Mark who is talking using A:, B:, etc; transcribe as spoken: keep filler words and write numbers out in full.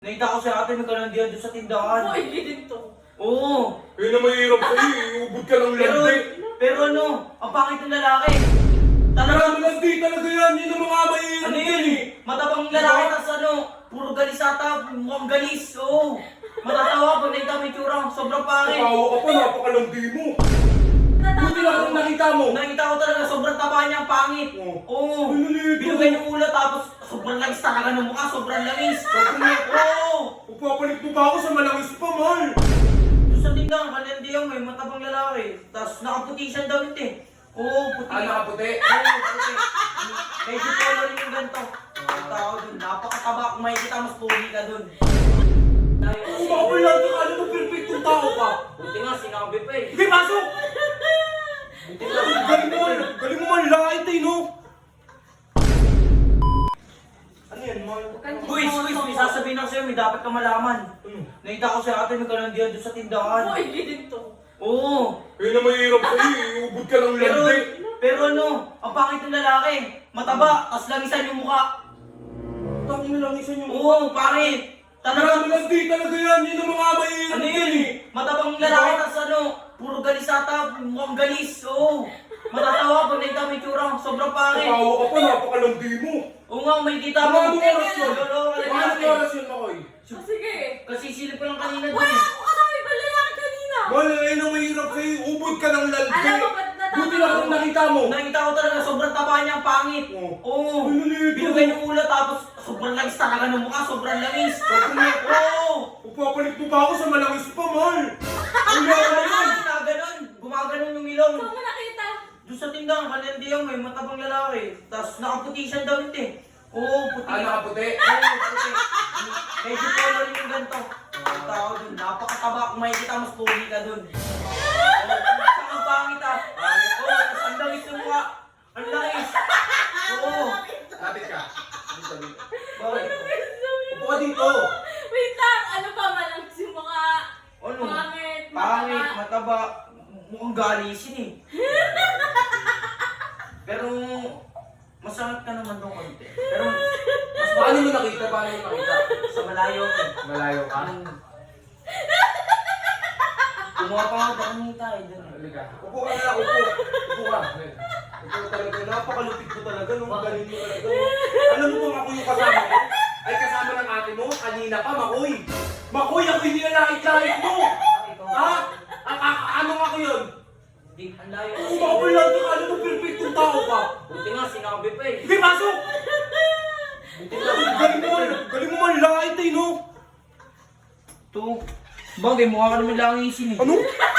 A: Nakita ko si ate may kalandian doon sa tindahan.
B: Oo, hindi din to.
A: Oo.
C: Eh na mahirap sa'yo eh. Ubod ka ng
A: Pero,
C: landi.
A: pero ano, ang pangit ng lalaki.
C: Marami
A: Talagang,
C: landi talaga yan. Yun ang mga mahirap
A: ano
C: yan
A: yun
C: eh.
A: Matabang lalaki, tas ano, puro galis ata, mukhang galis. Oo. Matatawa pag nakita mo yung tsura, sobrang pangit.
C: Kapawa ka pa, napakalandi mo. Buti lang kung nakita mo.
A: Nakita ko talaga, sobrang taba niya, ang pangit.
C: Oo.
A: Oo.
C: Ano nito?
A: Binugay yung ulo, tapos sobrang langis talaga ng mukha, sobrang langis. Oo.
C: Pupapalit mo ba ako sa malangis pa, mahal?
A: Doon sa tindahan, kalandian mo eh, matabang lalaki. Tapos nakaputi siyang damit eh. Oo, puti.
C: Ah, nakaputi?
A: Oo, puti. Medyo polo rin yung ganito. Ang tao dun, napakataba. Kung makikita mas puli ka dun.
C: Kung makapalag ka, ano mo perfectong tao ka?
A: Buti nga, sinabi pa eh.
C: Sige, pasok!
A: Buti nga,
C: Galing mo man, galing mo man lahit eh, no? Ano yan, mahal?
A: Guys, guys, may sasabihin ako sa'yo, may dapat ka malaman.
C: Ano?
A: Nakita ko si ate may kalandian doon sa tindahan.
B: Oo, hindi din to.
A: Oo.
C: Eh na mahirap sa'yo eh. Ubod ka ng
A: Pero,
C: landi.
A: pero ano, ang pangit ng lalaki. Mataba, tas langisan yung mukha.
C: Tangin na lang isa niyo.
A: Oo, pangit.
C: Marami
A: Talagang,
C: landi talaga yan. Yun ang mga mahirap
A: ano
C: yan
A: yun
C: eh.
A: Matabang lalaki, tas ano, puro galis ata, mukhang galis. Oo. Matatawa pag nakita mo yung tsura, sobrang pangit.
C: Kapawa ka pa, napakalandi mo.
A: Oo nga, may kita mo.
C: Mga anong oras yun?
A: Lolo,
C: Mga anong oras yun, Makoy?
B: Oh, sige.
A: Kasi silip ko lang kanina dun
B: Wala
A: eh.
B: ako kasama ibang lalaki kanina.
C: Mahal, eh na mahirap sa'yo. Ubod ka ng landi.
B: Alam mo ba't natatawa
C: Buti lang kung
B: ako?
C: nakita mo.
A: Nakita ko talaga, sobrang taba niya, ang pangit.
C: Oo.
A: Oo.
C: Ano nito?
A: Binugay yung ulo, tapos sobrang langis talaga ng mukha, sobrang langis. Oo.
C: Pupapalit mo ba ako sa malangis pa, mahal? Ang
A: Ano
C: yaman
A: yun?
C: yan.
A: Naganon. Gumaganon yung ilong.
B: Saan mo nakita?
A: Doon sa tindahan, kalandian mo eh, matabang lalaki. Tapos nakaputi siyang damit eh. Oo, puti.
C: Ah, nakaputi?
A: Oo, puti. Medyo polo rin yung ganito. Ang tao dun, napakataba. Kung makikita mas puli ka dun. Oo, saka ang pangit ah. Oo, tapos ang langis yung mukha. Ang langis. Oo.
C: Lapit ka. Dito, dito.
A: Bakit?
C: Upo ka dito.
B: Wait lang, ano pa malang yung mga
A: Ano?
B: pangit,
A: Pangit,
B: mataba.
A: mataba. Mukhang galisin eh. Pero, masakit ka naman doon konti. Pero, mas
C: Paano mo nakita? Paano mo nakita?
A: sa malayo ko.
C: Malayo ka?
A: Ang... Kumuha pa nga daan ni tayo dun.
C: Halika. Upo ka na lang, upo. Upo ka. Ikaw talaga, napakalupit mo talaga, no? Galing mo talaga, no? Alam mo kung ako yung kasama mo? Ay kasama ng ate mo, kanina pa, Makoy. Makoy, ako hindi nalait-lait mo!
A: Ah, ikaw.
C: Ha? A- a- ano nga ko yun?
A: Di, ang layo
C: Kung
A: kasi.
C: makapalag ka, ano mo perfectong tao ka?
A: Buti nga, sinabi pa eh.
C: Sige, pasok!
A: Buti nga,
C: Galing mo man, galing mo man lait eh, no?
A: Ito. Bagay, mukha ka naman langisin eh.
C: Ano?